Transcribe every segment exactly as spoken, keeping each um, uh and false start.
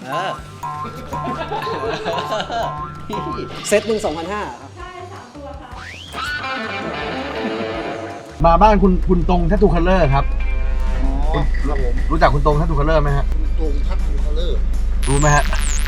เออเซตหนึ่งสองพันห้าครับใช่สามตัวค่ะมาบ้านคุณคุณตรงแททูคัลเลอร์ครับอ๋อครับผมรู้จักคุณตรงแททูคัลเลอร์ไหมฮะตรงทัดทูคัลเลอร์รู้ไหมฮะ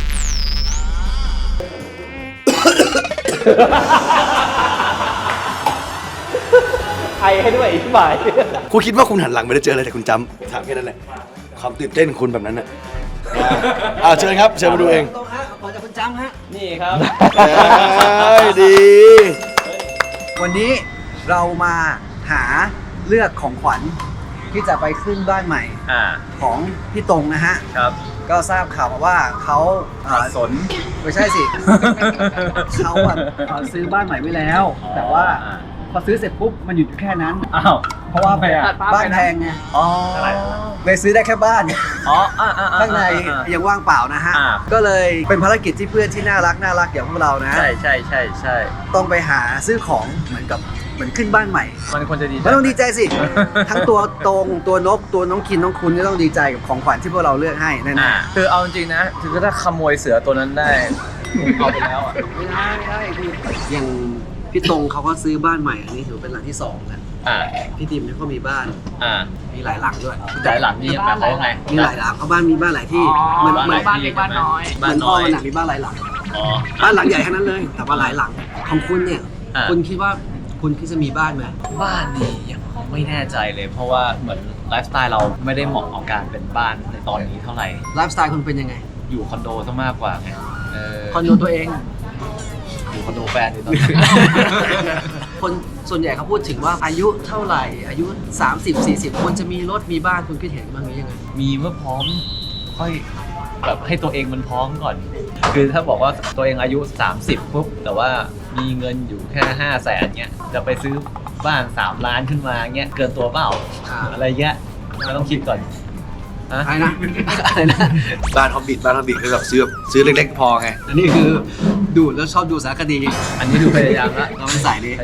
ไอให้ด้วยอีกฝ่ายคุณคิดว่าคุณหันหลังไม่ได้เจออะไรแต่คุณจำถามแค่นั้นแหละความตื่นเต้นคุณแบบนั้นน่ะอ่าเชิญครับเชิญมาดูเองตรงฮะขอจากคุณจำฮะนี่ครับดีวันนี้เรามาหาเลือกของขวัญที่จะไปขึ้นบ้านใหม่ของพี่ตรงนะฮะครับก็ทราบข่าวมาว่าเขาสนไม่ใช่สิ เขาแบบซื้อบ้านใหม่ไว้แล้วแต่ว่าพอซื้อเสร็จปุ๊บมันหยุดอยู่แค่นั้นอ้าวเพราะว่าบ้านแพงไงอ๋อเลยซื้อได้แค่บ้านอ๋อข้างในยังว่างเปล่านะฮะก็เลยเป็นภารกิจที่เพื่อนที่น่ารักน่ารักอย่างพวกเรานะใช่ใช่ใช่ใช่ต้องไปหาซื้อของเหมือนกับเหมือนขึ้นบ้านใหม่มันควรจะดีมันต้องดีใจสิทั้งตัวตรงตัวนกตัวน้องคินน้องคุณก็ต้องดีใจกับของขวัญที่พวกเราเลือกให้แน่ๆคือเอาจริงนะคือถ้าขโมยเสือตัวนั้นได้เอาไปแล้วอ่ะไม่ได้ไม่ได้คืออย่างพี่ตรงเขาก็ซื้อบ้านใหม่อันนี้ถือเป็นหลังที่สองแล้วพี่ดิมเนี่ยก็มีบ้านมีหลายหลังด้วยหลายหลังนี่แบบเขาไงมีหลายหลังเขาบ้านมีบ้านหลายที่เหมือนเหมือนบ้านเล็กบ้านน้อยเหมือนพ่อมันมีบ้านหลายหลังบ้านหลังใหญ่แค่นั้นเลยแต่ว่าหลายหลังของคุณเนี่ยคุณคิดว่าคุณคิดจะมีบ้านไหมบ้านนี่ยังไม่แน่ใจเลยเพราะว่าเหมือนไลฟ์สไตล์เราไม่ได้เหมาะกับการเป็นบ้านในตอนนี้เท่าไหร่ไลฟ์สไตล์คุณเป็นยังไงอยู่คอนโดซะมากกว่าไงคอนโดตัวเองอยู่คอนโดแฟนในตอนนี้คนส่วนใหญ่เขาพูดถึงว่าอายุเท่าไหร่อายุสามสิบ สี่สิบควรจะมีรถมีบ้านคุณคิดเห็นบ้างหรือยังไงมีเมื่อพร้อมค่อยแบบให้ตัวเองมันพร้อมก่อนคือถ้าบอกว่าตัวเองอายุสามสิบปุ๊บแต่ว่ามีเงินอยู่แค่ห้าแสนเงี้ยจะไปซื้อบ้านสามล้านขึ้นมาเงี้ยเกินตัวเปล่าอะไรเงี้ยเราต้องคิดก่อนอะไรนะอะไรนะบ้านฮอบบิทบ้านฮอบบิทคือแบบซื้อซื้อเล็กๆพอไงอันนี้คือดูแล้วชอบดูสารคดีอันนี้ดูพยายามละเราไม่ใส่ดิ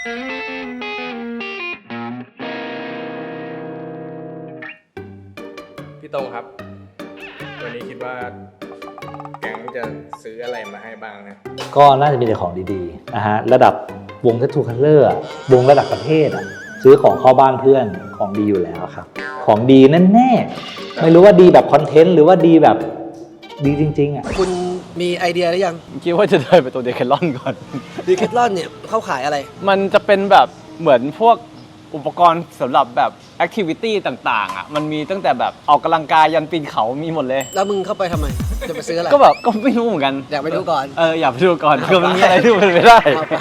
พี่ตรงครับวันนี้คิดว่าแก๊งจะซื้ออะไรมาให้บ้างนะก็น่าจะมีแต่ของดีๆนะฮะระดับวง Tattoo Color วงระดับประเทศอ่ะซื้อของเข้าบ้านเพื่อนของดีอยู่แล้วครับของดีแน่ๆไม่รู้ว่าดีแบบคอนเทนต์หรือว่าดีแบบดีจริงๆอ่ะคุณมีไอเดียหรือยังคิดว่าจะเดินไปตัวเดคาลอนก่อนเดคาลอนเนี่ยเขาขายอะไรมันจะเป็นแบบเหมือนพวกอุปกรณ์สำหรับแบบแอคทิวิตี้ต่างๆอ่ะมันมีตั้งแต่แบบออกกำลังกายยันปีนเขามีหมดเลยแล้วมึงเข้าไปทำไมจะไปซื้ออะไรก็แบบก็ไม่รู้เหมือนกันอยากไปดูก่อนเอออยากไปดูก่อนคือมันมีอะไรที่มันไม่ได้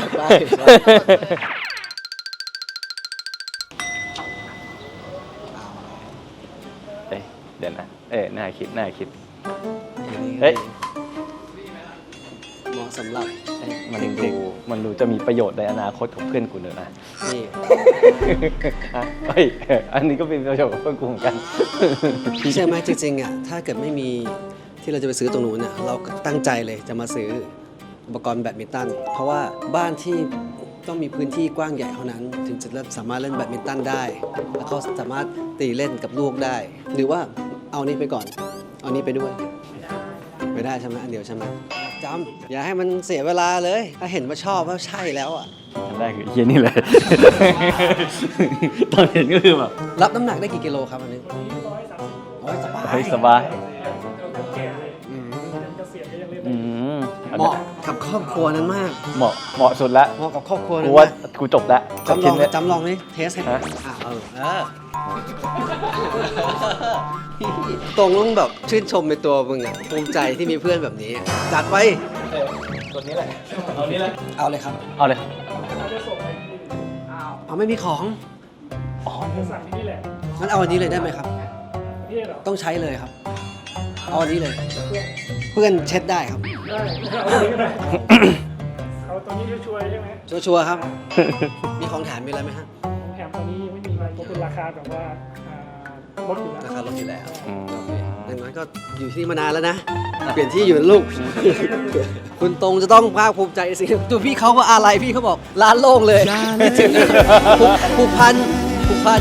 เดี๋ยวนะเอ๊ะน่าคิดน่าคิดเฮ้ยเหมาะสำหรับมันดูมันดูจะมีประโยชน์ในอนาคตของเพื่อนกูเนอะนะนี่เฮ้ยอันนี้ก็เป็นประโยชน์กับเพื่อนกูเหมือนกันใช่ไหมจริงๆอ่ะถ้าเกิดไม่มีที่เราจะไปซื้อตรงนู้นเนี่ยเราตั้งใจเลยจะมาซื้ออุปกรณ์แบดมินตันเพราะว่าบ้านที่ต้องมีพื้นที่กว้างใหญ่เท่านั้นถึงจะสามารถเล่นแบดมินตันได้แล้วก็สามารถตีเล่นกับลูกได้หรือว่าเอานี้ไปก่อนเอานี้ไปด้วยไม่ได้ใช่ไหมอันเดียวใช่ไหมจำอย่าให้มันเสียเวลาเลยถ้าเห็นว่าชอบว่าใช่แล้วอ่ะทำได้คือเฮียนี่เลยตอนเห็นก็คือแบบรับน้ำหนักได้กี่กิโลครับอันนี้ร้อยสบายเฮ้ยสบายเหมาะกับครอบครัวนั้นมากเหมาะเหมาะสุดแล้วเหมาะกับครอบครัวกูว่ากูจบแล้วจำลองจำลองนี่เทสให้อ่ะเออเออตรงต้องแบบชื่นชมในตัวมึงอ่ะภูมิใจที่มีเพื่อนแบบนี้จัดไปตัวนี้แหละเอานี้เลยเอาเลยครับเอาเลยเอาไม่มีของอ๋อสั่งนี่แหละงั้นเอาอันนี้เลยได้ไหมครับต้องใช้เลยครับเอาอันนี้เลยเพื่อนเช็ดได้ครับได้เอาตัวนี้ชัวร์ใช่ไหมชัวร์ครับมีของแถมมีอะไรไหมฮะของแถมตอนนี้ยังไม่มีเพราะเป็นราคาแบบว่าลดอยู่แล้วราคาลดอยู่แล้วดังนั้นก็อยู่ที่มานานแล้วนะเปลี่ยนที่อยู่ลูกคุณตรงจะต้องภาคภูมิใจสิตัวพี่เขาก็อะไรพี่เขาบอกร้านโล่งเลยผูกพันผูกพัน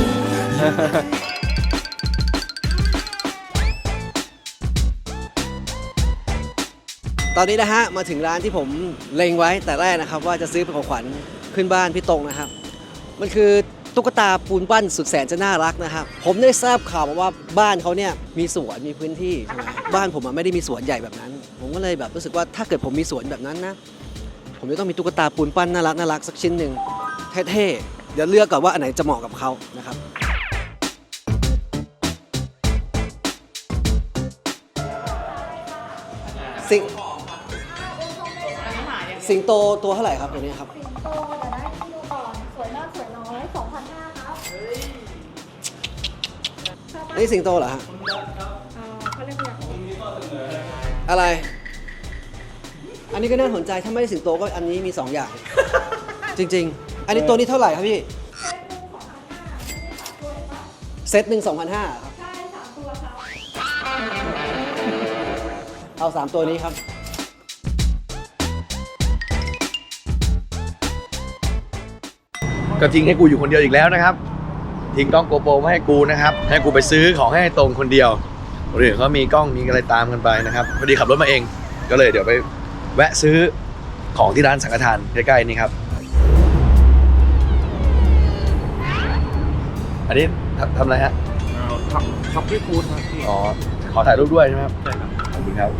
ตอนนี้นะฮะมาถึงร้านที่ผมเล็งไว้แต่แรกนะครับว่าจะซื้อเป็นของขวัญขึ้นบ้านพี่ตรงนะครับมันคือตุ๊กตาปูนปั้นสุดแสนจะน่ารักนะครับผมได้ทราบข่าวมาว่าบ้านเขาเนี่ยมีสวนมีพื้นที่บ้านผมอะไม่ได้มีสวนใหญ่แบบนั้น ผมก็เลยแบบรู้สึกว่าถ้าเกิดผมมีสวนแบบนั้นนะผมจะต้องมีตุ๊กตาปูนปั้นน่ารักน่ารักสักชิ้นหนึ่งเท่ๆเดี๋ยวเลือกก่อนว่าอันไหนจะเหมาะกับเขานะครับสิงสิงโตตัวเท่าไหร่ครับตัวนี้ครับสิงโตเดี๋ยวนะคิวก่อนสวยมากสวยน้อยสองพันห้าครับชอบปะนี่สิงโตเหรอฮะอ่าเขาเรียกว่าอะไร อันนี้ก็น่าสนใจถ้าไม่ได้สิงโตก็อันนี้มีสองอย่าง จริงๆ อันนี้ตัวนี้เท่าไหร่ครับพี่เซตหนึ่งสองพันห้าครับใช่สามตัวครับเอาสามตัวนี้ครับก็ทิ้งให้กูอยู่คนเดียวอีกแล้วนะครับ ทิ้งกล้องโกโปรมาให้กูนะครับให้กูไปซื้อของให้ตรงคนเดียวคนอื่นเขามีกล้องมีอะไรตามกันไปนะครับพอดีขับรถมาเองก็เลยเดี๋ยวไปแวะซื้อของที่ร้านสังฆทานใกล้ๆนี่ครับ อันนี้ทำทำอะไรฮะช็อปปี้ฟู้ดครับพี่อ๋อขอถ่ายรูปด้วยใช่ไหมครับใช่ครับขอบคุณครับ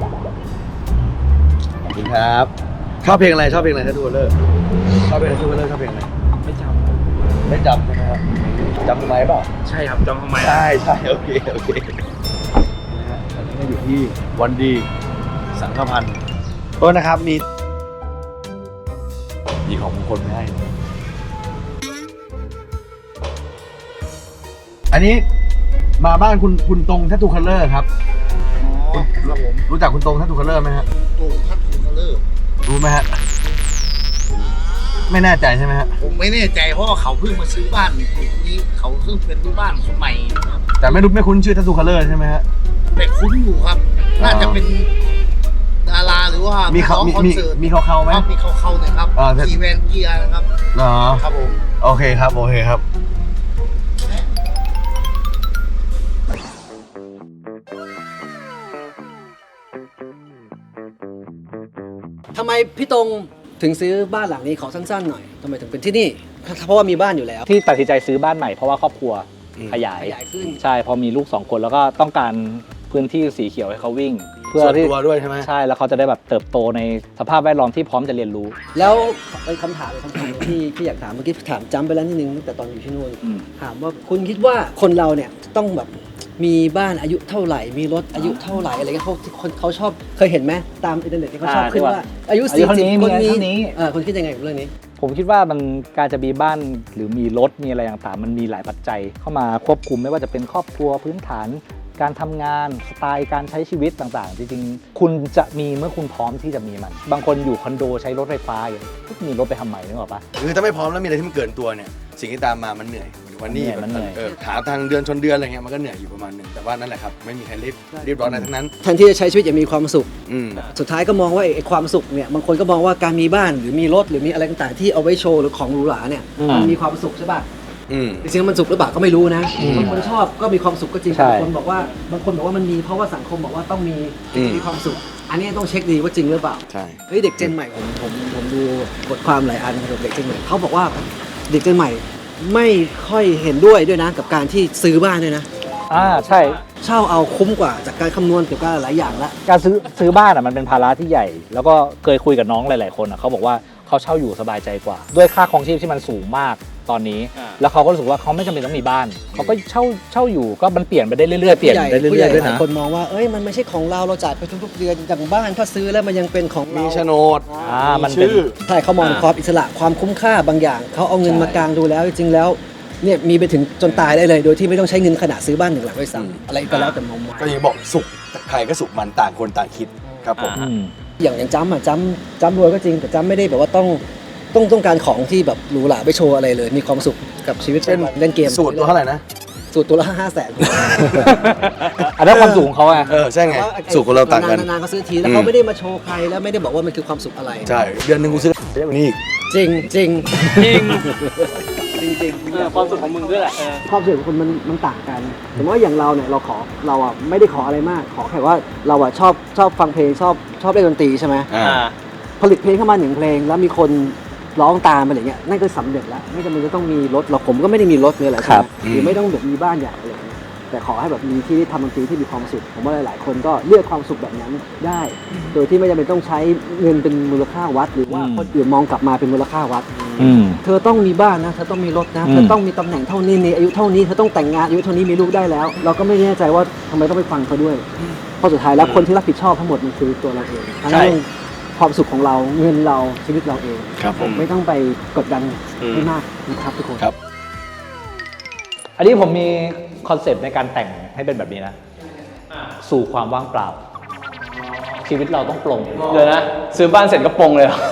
ขอบคุณครับชอบเพลงอะไรชอบเพลงอะไรทัตทูเลอร์ชอบเพลงทัตทูเลอร์ชอบเพลงอะไรไม่จำไม่จำใช่ไหมครับจำทำไมเปล่าใช่ครับจำทำไมใช่ใช่โอเคโอเคนะฮะตอนนี้ก็อยู่ที่วันดีสังฆพันธ์โทษนะครับมีมีของมงคลไม่ให้ อันนี้มาบ้านคุณคุณตรงทัตทูคัลเลอร์ครับอ๋อครับผมรู้จักคุณตรงทัตทูคัลเลอร์ไหมฮะตัวทัตทูคัลเลอร์รู้ไหมฮะไม่แน่ใจใช่ไหมฮะผมไม่แน่ใจเพราะว่าเขาเพิ่งมาซื้อบ้านนี้เขาเพิ่งเป็นบ้านคนใหม่ครับแต่ไม่รู้ไม่คุ้นชื่อทัตทูคัลเลอร์ใช่ไหมฮะแต่คุ้นอยู่ครับ น่าจะเป็นดาราหรือว่ามีเขาร้องมีคอนมีเสิร์ตมีเขาเขาไหมครับมีเขาเขาๆหนะครับอ่าแต่ขี่แวนเกียร์นะครับเหรอครับผมโอเคครับโอเคครับทำไมพี่ตรงถึงซื้อบ้านหลังนี้ขอสั้นๆหน่อยทำไมถึงเป็นที่นี่ เพราะว่ามีบ้านอยู่แล้วที่ตัดสินใจซื้อบ้านใหม่เพราะว่าครอบครัวขยายขยายขึ้นใช่พอมีลูกสองคนแล้วก็ต้องการพื้นที่สีเขียวให้เขาวิ่ง เพื่อส่วนที่ตัวด้วยใช่ไหมใช่แล้วเขาจะได้แบบเติบโตในสภาพแวดล้อมที่พร้อมจะเรียนรู้แล้วเป็นคำถามคำถามที่ที่อยากถามเมื่อกี้ถามจำไปแล้วนิดนึงตั้งแต่ตอนอยู่ที่นู่นอืมถามว่าคุณคิดว่าคนเราเนี่ยต้องแบบมีบ้านอายุเท่าไหร่ มีรถอายุเท่าไหร่อะไรเงี้ยเขาคนเขาชอบเคยเห็นไหมตามอินเทอร์เน็ตที่เขาชอบอ่าขึ้นที่ว่าว่าอายุอายุสี่เท่าสิบนี้คนมีนี้เท่านี้เออคุณคิดยังไงกับเรื่องนี้ผมคิดว่ามันการจะมีบ้านหรือมีรถมีอะไรต่างๆ มันมีหลายปัจจัยเข้ามาควบคุมไม่ว่าจะเป็นครอบครัวพื้นฐาน การทำงานสไตล์การใช้ชีวิตต่างๆ จริงๆ คุณจะมีเมื่อคุณพร้อมที่จะมีมัน บางคนอยู่คอนโดใช้รถไฟฟ้าอย่างมีรถไปทำไมนึกออกปะคือถ้าไม่พร้อมแล้วมีอะไรที่มันเกินตัวเนี่ยสิ่งที่ตามมามันเหนื่อยวันนี้มันเหนื่อยเออหาทางเดือนชนเดือนอะไรเงี้ยมันก็เหนื่อยอยู่ประมาณหนึ่งแต่ว่านั่นแหละครับไม่มีใครรีบรีบร้อนอะไรทั้งนั้นแทนที่จะใช้ชีวิตอย่างมีความสุขอืมสุดท้ายก็มองว่าไอ้ความสุขเนี่ยบางคนก็มองว่าการมีบ้านหรือมีรถหรือมีอะไรต่างๆที่เอาไว้โชว์หรือของหรูหราเนี่ยมันมีความสุขใช่ป่ะอืมจริงๆมันสุขหรือเปล่าก็ไม่รู้นะบางคนชอบก็มีความสุขก็จริงใช่บางคนบอกว่าบางคนบอกว่ามันมีเพราะว่าสังคมบอกว่าต้องมีอืมมีความสุข อันนี้ต้องเช็คดีว่าจริงหรือเปล่าใช่เฮ้ยเด็กเจนใหม่ผมผมผมดูบทความหลายอันเกี่ยวกับเด็กเจนใหม่เขาบอกว่าเด็กเจนใหม่ไม่ค่อยเห็นด้วยด้วยนะกับการที่ซื้อบ้านด้วยนะอ่าใช่เช่าเอาคุ้มกว่าจากการคำนวณเกี่ยวกับหลายอย่างละการซื้อซื้อบ้านอ่ะมันเป็นภาระที่ใหญ่ แล้วก็เคยคุยกับน้องหลายๆคนอ่ะเขาบอกว่าเขาเช่าอยู่สบายใจกว่า ด้วยค่าครองชีพที่มันสูงมากตอนนี้ แล้วเขาก็รู้สึกว่าเขาไม่จำเป็นต้องมีบ้านเขาก็เช่าเช่าอยู่ก็มันเปลี่ยนไปได้เรื่อยๆเปลี่ยนไปเรื่ผู้ใหอญ่ยๆด้วยหลายนะคนมองว่าเอ้ยมันไม่ใช่ของเราเราจ่ายไปทุกๆเดือนอย่างบ้านถ้าซื้อแล้วมันยังเป็นของเรามีโฉนดอ่ามันเป็นชื่อใช่เขามองอ่าความอิสระความคุ้มค่าบางอย่างเขาเอาเงินใช่มากางดูแล้วจริงๆแล้วเนี่ยมีไปถึงจนตายได้เลย โดยที่ไม่ต้องใช้เงินขนาดซื้อบ้านหนึ่งหลังด้วยซ้ำอะไรก็แล้วแต่มุมมองก็ยังบอกสุขใครก็สุขมันต่างคนต่างคิดครับผมอืมอย่างอย่างจ้ำอ่ะจ้ำจ้ำรวยก็จริงแต่จ้ำไม่ได้แบบว่าต้องต้องต้องการของที่แบบหรูหราไปโชว์อะไรเลย มีความสุขกับชีวิตเช่นเล่นเกมสูตรตัวเท่าไหร่นะสูตรตัวละห้าแสนอันนั้นความสูงของเขาไงเออใช่ไงสูตรของเราต่างกันนานๆเขาซื้อทีแล้วอืมเขาไม่ได้มาโชว์ใครแล้วไม่ได้บอกว่ามันคือความสุขอะไรใช่เดือนหนึ่งกูซื้อเยอะกว่านี้อีกจริงจริงจริงจริงเออความสุขของมึงด้วยแหละความสุขของคนมันมันต่างกันสมมติว่าอย่างเราเนี่ยเราขอเราอ่ะไม่ได้ขออะไรมาก ขอแค่ว่าเราอ่ะชอบชอบฟังเพลงชอบชอบเล่นดนตรีใช่ไหมอ่าผลิตเพลงเข้ามาหนึ่งเพลงแล้วมีคนร้องตามอะไรเงี้ยนั่นก็สำเร็จแล้วไม่จำเป็นจะต้องมีรถเราผมก็ไม่ได้มีรถเนี่ยแหละใช่ไหมหรือไม่ต้องแบบมีบ้านใหญ่อะไรเงี้ยแต่ขอให้แบบมีที่ทำดนตรีที่มีความสุขผมว่าหลายๆคนก็เลือกความสุขแบบนั้นได้ โดยที่ไม่จำเป็นต้องใช้เงินเป็นมูลค่าวัด หรือว่าคนอื่นมองกลับมาเป็นมูลค่าวัดอืมเธอต้องมีบ้านนะเธอต้องมีรถนะอืมเธอต้องมีตำแหน่งเท่านี้ในอายุเท่านี้เธอต้องแต่งงานอายุเท่านี้มีลูกได้แล้ว เราก็ไม่แน่ใจว่าทำไมต้องไปฟังเขาด้วยเพราะสุดท้ายแล้วคนที่รับผิดชอบทั้งหมดมันคือตัวเราเองทั้งเรื่องความสุขของเราเงินเราชีวิตเราเองครับผมไม่ต้องไปกดดันให้มากนะครับทุกคนครับอันนี้ผมมีคอนเซปต์ในการแต่งให้เป็นแบบนี้นะ สู่ความว่างเปล่า ชีวิตเราต้องปลงเดี๋ยวนะ ซื้อบ้านเสร็จก็ปลงเลยเหรอ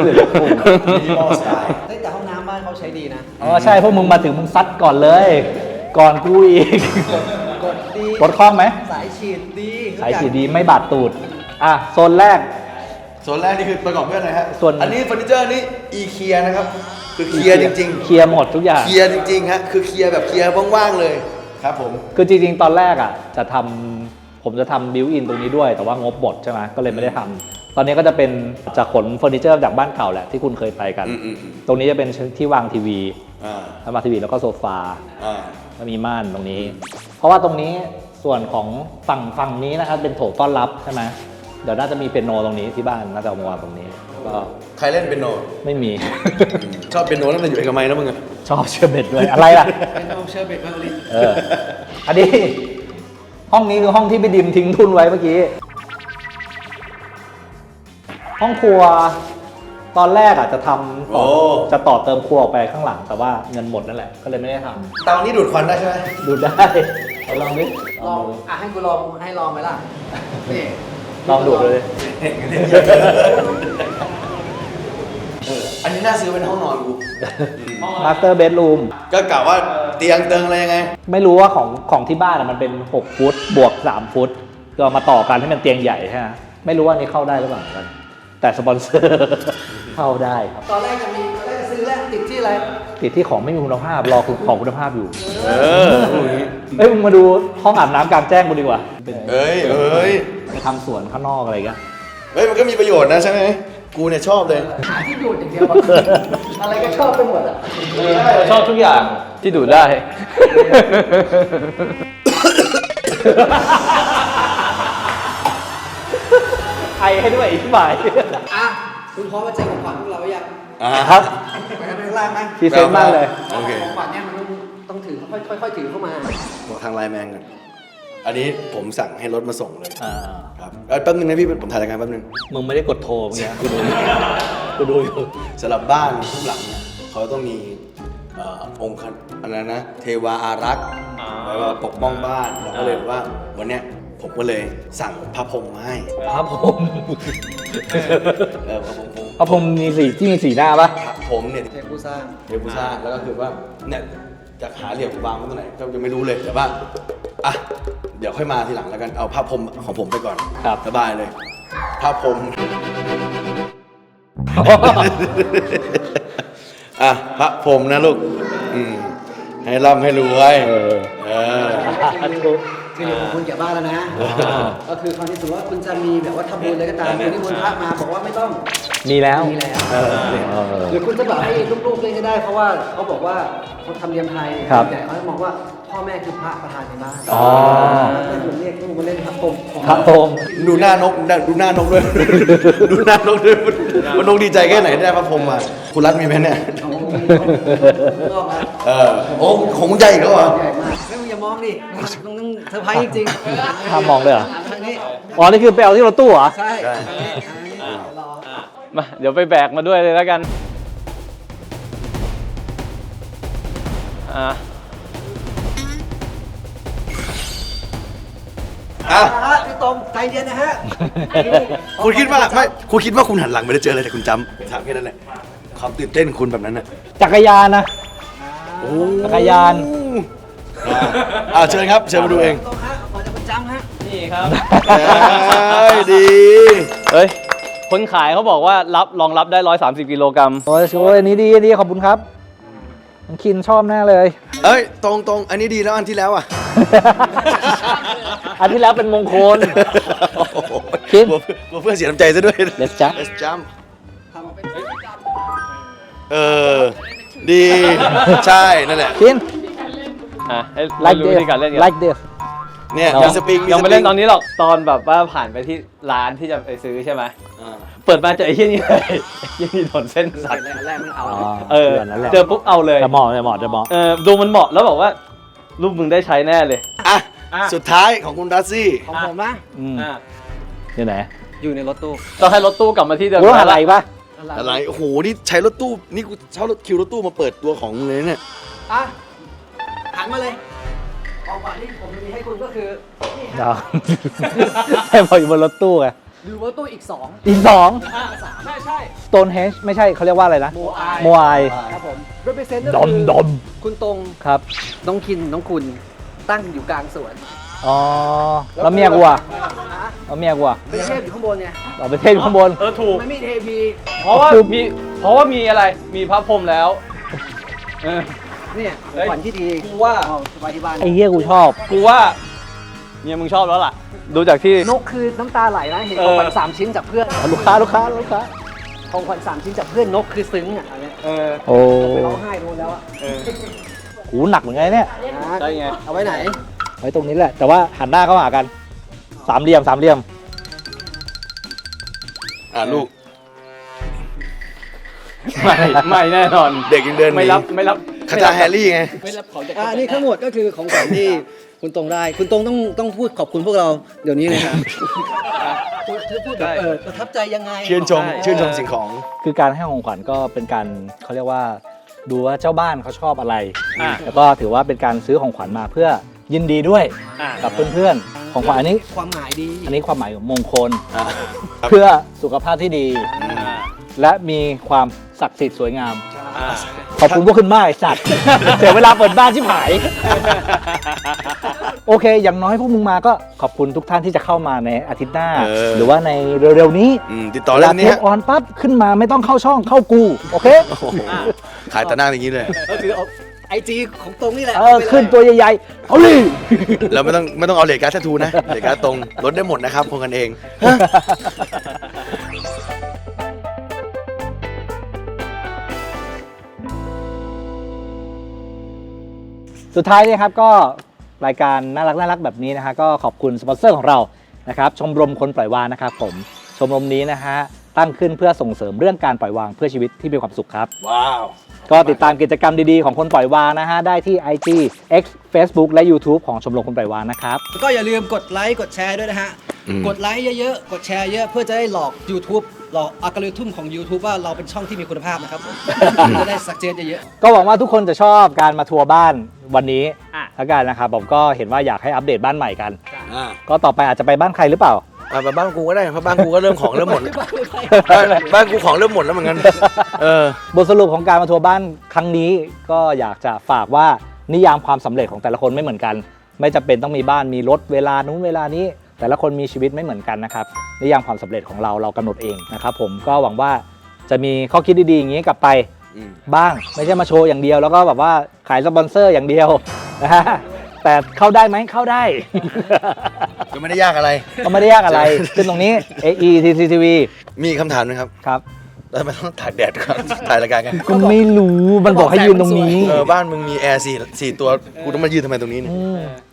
แต่ห้องน้ำบ้านเขาใช้ดีนะอ๋อใช่พวกมึงมาถึงมึงซัดก่อนเลย ก่อนกูอีกกดดีกดคล่องไหมสายฉีดดีสายฉีดดีไม่บาดตูด อ่ะ โซนแรกส่วนแรกนี่คือประกอบด้วยอะไรฮะส่วนอันนี้เฟอร์นิเจอร์นี่อีเคียนะครับ คือเคลียร์จริงเคลียร์หมดทุกอย่างๆ เคลียร์จริงๆฮะ คือเคลียร์แบบเคลียร์ว่างๆเลย ครับผมคือจริงๆ ตอนแรกอ่ะจะทำผมจะทำบิวอินตรงนี้ด้วย แต่ว่างบหมดใช่ไหมก็เลยไม่ได้ทำตอนนี้ก็จะเป็นจะขนเฟอร์นิเจอร์จากบ้านเก่าแหละที่คุณเคยไปกันอืมอืมอืมตรงนี้จะเป็นที่วางทีวีอ่าแล้วมาทีวีแล้วก็โซฟาอ่าแล้วมีม่านตรงนี้ เพราะว่าตรงนี้ส่วนของฝั่งฝั่งนี้นะครับเป็นโถต้อนรับใช่ไหมเดี๋ยวน่าจะมีเปียโนตรงนี้ที่บ้านน่าจะเอามาวางตรงนี้ก็ใครเล่นเป็นโนไม่มีชอบเป็นโนตั้งแต่อยู่เอกมัยแล้วมึงอะชอบเชอร์เบตด้วยอะไรล่ะเป็นน้องเชอร์เบตมาลินเออ อันนี้ ห้องนี้คือห้องที่พี่ดิมทิ้งทุนไว้เมื่อกี้ ห้องครัว ตอนแรกอ่ะจะทำต่อโอ้จะต่อเติมครัวออกไปข้างหลัง แต่ว่าเงินหมดนั่นแหละ ก็เลยไม่ได้ทเตานี้ดูดควันได้ใช่ไหมำดูได้เอาลองดิลองอ่ะให้กูลองให้ลองไหมล่ะนี่ลองดูดเลยเอออันนี้น่าซื้อเป็นห้องนอนกูมาสเตอร์เบดรูมก็กล่าวว่าเตียงเติงอะไรยังไงไม่รู้ว่าของของที่บ้านอะมันเป็นหกฟุตบวกสามฟุตก็เอามาต่อกันให้มันเตียงใหญ่ใช่ไหมไม่รู้ว่านี่เข้าได้หรือเปล่าเหมือนกัน แต่สปอนเซอร์ เข้าได้ครับตอนแรกจะมีตอนแรกจะซื้อแล้วติดที่อะไรติดที่ของไม่มีคุณภาพ รอของคุณภาพอยู่เออพวกนี้เอ้ยมึงมาดูห้องอาบน้ำกลางแจ้งกูดีกว่าเป็นเอ้ยเอ้ยไปทำสวนข้างนอกอะไรกันเฮ้ย มันก็มีประโยชน์นะใช่ไหม กูเนี่ยชอบเลยหาที่ดูดอย่างเดียวอะอะไรก็ชอบไปหมดอ่ะชอบทุกอย่างที่ดูดได้ไอให้ด้วยอีกบ่ายอ่ะคุณพร้อมมาแจกของขวัญพวกเราหรือยังอ่าครับไปกันไปข้างล่างไหมพรีเซนต์มากเลยโอเคของขวัญเนี่ยมันต้องต้องถือค่อยๆค่อยๆถือเข้ามาบอกทางไลน์แมนกันอันนี้ผมสั่งให้รถมาส่งเลยอ่าครับเอ้ยแป๊บนึงนะพี่ ผมถ่ายรายการแป๊บนึงมึงไม่ได้กดโทรเมื่อกี้กูดูอยู่กูดูอยู่สำหรับบ้านทุกหลังเนี่ยเขาต้องมีเอ่อองค์คันอะไรนะ เทวาอารักษ์ไว้ว่าปกป้องบ้านเราก็เลยว่าวันเนี้ยผมก็เลยสั่งพระพรหมมาให้พระพรหมเออพระพรหมพระพรหมมีสีที่มีสีหน้าปะพระพรหมเนี่ยเทผู้สร้างเทพุซ่าแล้วก็คือว่าเนี่ยจะหาเหลี่ยมวางไว้ตรงไหนก็ยังไม่รู้เลยแต่ว่าอ่ะเดี๋ยวค่อยมาทีหลังแล้วกันเอาพระพรหมของผมไปก่อนครับสบายเลยพระพรหม อ่ะพระพรหมนะลูกอืมให้ร่ำให้รวยเออเออคือเดี๋ยวของคุณแก่บ้านแล้วนะ ก็คือคราวนี้สมมติว่าคุณจะมีแบบว่าทำบุญอะไรก็ตามคุณที่มนต์พระมาบอกว่าไม่ต้องมีแล้วมีแล้วเออเออหรือคุณจะบอกให้ลูกๆเล่นก็ได้ เพราะว่าเขาบอกว่าเขาทำเนียมไทยครับแต่เขาจะมองว่าพ่อแม่คือพระประธานในบ้านอ๋อแล้วก็คุณเรียกลูกมาเล่นพระพรหมของพระพรหมดูหน้านกดูหน้านกด้วย ดูหน้านกด้วยมันนกดีใจแค่ไหนได้พระพรหมมาคุณรัฐมีไหมเนี่ยของมีของนอกนะเออโอ้ของมึงใหญ่อีกแล้วเหรอใหญ่มากไม่มึงอย่ามองดิต้องต้องเซอร์ไพรส์จริงๆห้ามมองเลยเหรอทางนี้อ๋อ นี่คือไปเอาที่รถตู้เหรอใช่ใช่ทางนี้ทางนี้รอมาเดี๋ยวไปแบกมาด้วยเลยแล้วกัน อ่าอ่ะฮะพี่ตรงใจเย็นนะฮะคุณคิดว่าไม่คุณคิดว่าคุณหันหลังไม่ได้เจออะไรแต่คุณจำถามแค่นั้นแหละความตื่นเต้นคุณแบบนั้นน่ะจักรยานนะโอ้จักรยานอ่าอ่าเชิญครับเชิญมาดูเองตรงฮะขอจะประจำฮะนี่ครับเอ้ยดีเฮ้ย คนขายเขาบอกว่ารับรองรับได้ร้อยสามสิบกิโลกรัมโอ้ยโอ้ยอันนี้ดีอันนี้ขอบคุณครับน้องคินชอบแน่เลยเอ้ยตรงตรงอันนี้ดีแล้วอันที่แล้วอ่ะอันที่แล้วเป็นมงคลโอ้โหคิดกลัวกลัวเพื่อนเสียน้ำใจซะด้วย Let's jump Let's jump เออ ดี ใช่ นั่นแหละคินอ่ะให้ like รู้ this วิธีการเล่นกัน like this เนี่ยเรามีสปริงยังไม่เล่นตอนนี้นี้หรอกตอนแบบว่าผ่านไปที่ร้านที่จะไปซื้อใช่ไหมเปิดมาเจอไอ้เหี้ยนี่เลยไอ้เหี้ยนี่โดนเส้นสัตว์แรกๆมันเอาอ๋อเออดืนนั้นแหละเจอปุ๊บเอาเลยจะเหมาะจะเหมาะจะเหมาะเออดูมันเหมาะแล้วบอกว่ารูปมึงได้ใช้แน่เลยอ่ะอ่ะสุดท้ายของคุณดัซซี่ของผมนะอืมอ่ะอยู่ไหนอยู่ในรถตู้ต้องให้รถตู้กลับมาที่เดิมรู้อะไรปะอะไร โอ้โห นี่ใช้รถตู้ นี่กูเช่ารถคิวรถตู้มาเปิดตัวของมึงเลยเนี่ยอ่ะหันมาเลยของขวัญที่ผมมีให้คุณก็คือนี่ฮะเดี๋ยว ให้พออยู่บนรถตู้ไงดูรถตู้อีกสองอีกสองใช่ใช่ Stonehenge ไม่ใช่เขาเรียกว่าอะไรนะโมอายโมอายครับผม represent ดอมดอมคุณตรงครับน้องคินน้องคุณตั้งอยู่กลางสวนอ๋อ แล้วเมียกูอ่ะแล้วเมียกูอ่ะเป็นเทพอยู่ข้างบนไงเราไปเทศอยู่ข้างบนเออถูกไม่มีเทพีเพราะว่ามีเพราะว่ามีอะไรมีพระพรหมแล้วเออเนี่ยขเฮ้องยขวัญที่ดีกูว่าเอาไว้ที่บ้านไอ้เหี้ยกูชอบกูว่าเมียมึงชอบแล้วล่ะ ดูจากที่นกคือน้ำตาไหลนะเห็นเอขอองขวัญสามชิ้นจากเพื่อนลูกค้าลูกค้าลูกค้าของขวัญสามชิ้นจากเพื่อนนกคือซึ้งอ่ะอันเนี้ยเออโอ้ไปร้องไห้โดนแล้วอ่ะเออหูหนักเหมือนไงเนี่ยนะใช่ไงเอาไว้ไหนไว้ตรงนี้แหละ แต่ว่าหันหน้าเข้าหากัน สามเหลี่ยมสามเหลี่ยมอ่ะลูกไม่ไม่แน่นอนเด็กยังเดินหนีไม่รับไม่รับคาถาแฮร์รี่ไงไม่รับของจากอ่านี่ทั้งหมดก็คือของขวัญที่คุณตรงได้ คุณตรงต้องต้องพูดขอบคุณพวกเราเดี๋ยวนี้เลยครับพูดพูดแบบเออประทับใจยังไงชื่นชม ชื่นชมสิ่งของคือการให้ของขวัญก็เป็นการเขาเรียกว่าดูว่าเจ้าบ้านเขาชอบอะไรอ่ะแล้วก็ถือว่าเป็นการซื้อของขวัญมาเพื่อยินดีด้วยอ่ะกับเพื่อนๆ ของขวัญอันนี้ความหมายดีอันนี้ความหมายของมงคลอ่ะเพื่อสุขภาพที่ดีอ่าและมีความศักดิ์สิทธิ์สวยงามอ่าขอบคุณพวกคุณมากไอ้สัตว์ เสียเวลาเปิดบ้านชิบหาย โอเค อย่างน้อยพวกมึงมาก็ขอบคุณทุกท่านที่จะเข้ามาในอาทิตย์หน้าเออหรือว่าในเร็วๆนี้อืมติดต่อเวเรื่ลาองเทนี้ปออนปั๊บขึ้นมาไม่ต้องเข้าช่องเข้ากู โอเคโอ้โหขายตะหน้าอย่างนี้เลยก็คือเอาไอจีของตรงนี่แหละเออ ขึ้นตัวใหญ่ๆ เอาเลยเราไม่ต้องไม่ต้องเอาเหล็กการ์ดแททูนะเหล็กการ์ดตรงลดได้หมดนะครับพงกันเองสุดท้ายนี่ครับก็รายการน่ารักน่ารักแบบนี้นะฮะก็ขอบคุณสปอนเซอร์ของเรานะครับชมรมคนปล่อยวางนะครับผมชมรมนี้นะฮะตั้งขึ้นเพื่อส่งเสริมเรื่องการปล่อยวางเพื่อชีวิตที่มีความสุขครับว้าวก็ติดตามกิจกรรมดีๆของคนปล่อยวางนะฮะได้ที่ ไอ จี X Facebook และ YouTube ของชมรมคนปล่อยวางนะครับก็อย่าลืมกดไลค์กดแชร์ด้วยนะฮะอืมกดไลค์เยอะๆ กดแชร์เยอะเพื่อจะได้หลอก YouTube หลอกอัลกอริทึมของ YouTube ว่าเราเป็นช่องที่มีคุณภาพนะครับ จะได้สักเจนเยอะก็หวังว่าทุกคนจะชอบการมาทัวร์บ้านวันนี้แล้วกันนะครับผมก็เห็นว่าอยากให้อัปเดตบ้านใหม่กันอ่าก็ต่อไปอาจจะไปบ้านใครหรือเปล่าอ่ะไปบ้านกูก็ได้เพราะบ้านกูก็เริ่มของเริ่มหมดบ้านบ้านกูของเริ่มหมดแล้วเหมือนกันเออบทสรุปของการมาทัวร์บ้านครั้งนี้ก็อยากจะฝากว่านิยามความสำเร็จของแต่ละคนไม่เหมือนกัน ไม่จำเป็นต้องมีบ้านมีรถเวลานู้นเวลานี้ แต่ละคนมีชีวิตไม่เหมือนกันนะครับนิยามความสำเร็จของเราเรากำหนดเองนะครับผมก็หวังว่าจะมีข้อคิดดีๆอย่างนี้กลับไปอืมบ้างไม่ใช่มาโชว์อย่างเดียวแล้วก็แบบว่าขายสปอนเซอร์อย่างเดียวนะฮะแต่เข้าได้ไหมเข้าได้ก็ไม่ได้ยากอะไรก็ไม่ได้ยากอะไรขึ้นตรงนี้ เอ อี ที ซี ที วีมีคำถามนะครับครับแล้วทำไมต้องถ่ายแดดครับถ่ายรายการกันก็ไม่รู้มันบอกให้ยืนตรงนี้เออบ้านมึงมีแอร์สี่สี่ตัวกูต้องมายืนทำไมตรงนี้เนี่ยอืม